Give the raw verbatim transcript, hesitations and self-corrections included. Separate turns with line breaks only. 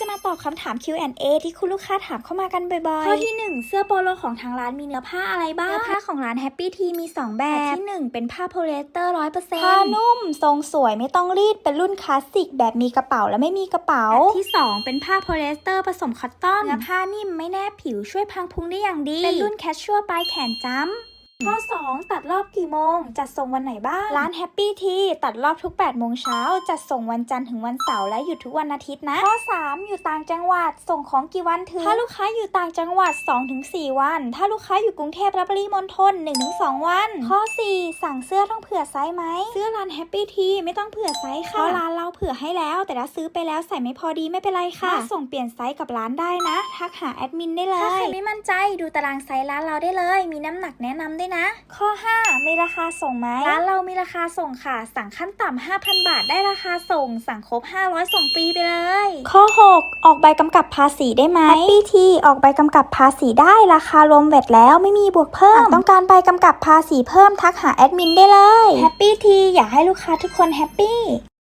มาตอบคำถาม คิว แอนด์ เอ ที่คุณลูกค้าถามเข้ามากันบ่อยๆข้อที่หนึ่งเสื้อโปโลของทางร้านมีเนื้อผ้าอะไรบ้างเนื้อผ้าของร้าน Happy Tea มีสองแบบที่หนึ่งเป็นผ้าโพลีเอสเตอร์ ร้อยเปอร์เซ็นต์ ผ้านุ่มทรงสวยไม่ต้องรีดเป็นรุ่นคลาสสิกแบบมีกระเป๋าและไม่มีกระเป๋าแบบที่สองเป็นผ้าโพลีเอสเตอร์ผสมคอตตอนเนื้อผ้านิ่มไม่แนบผิวช่วยพังพุงได้อย่างดีเป็นรุ่นแคชชัวปลายแขนจ้ำข้อสองตัดรอบกี่โมงจัดส่งวันไหนบ้างร้าน Happy Tea ตัดรอบทุกแปดโมงเช้าจัดส่งวันจันทร์ถึงวันเสาร์และหยุดทุกวันอาทิตย์นะข้อสามอยู่ต่างจังหวัดส่งของกี่วันถึงถ้าลูกค้าอยู่ต่างจังหวัด สองถึงสี่ วันถ้าลูกค้าอยู่กรุงเทพและปริมณฑล หนึ่งถึงสอง วันข้อสี่สั่งเสื้อต้องเผื่อไซส์ไหมเสื้อร้าน Happy Tea ไม่ต้องเผื่อไซส์ค่ะเพราะร้านเราเผื่อให้แล้วแต่ถ้าซื้อไปแล้วใส่ไม่พอดีไม่เป็นไรค่ะส่งเปลี่ยนไซส์กับร้านได้นะทักหาแอดมินได้เลยถ้าใครไม่มั่นใจดูตารางไซส์ร้านเราได้เลยมีน้ำหนักแนะนำด้วยนะข้อห้ามีราคาส่งไหมร้านเรามีราคาส่งค่ะสั่งขั้นต่ำ ห้าพัน บาทได้ราคาส่งสั่งครบห้าร้อยส่งฟรีไปเลยข้อหกออกใบกำกับภาษีได้ไหม Happy Tea ออกใบกำกับภาษีได้ราคารวมแวตแล้วไม่มีบวกเพิ่มต้องการใบกำกับภาษีเพิ่มทักหาแอดมินได้เลย Happy Tea อยากให้ลูกค้าทุกคนแฮปปี้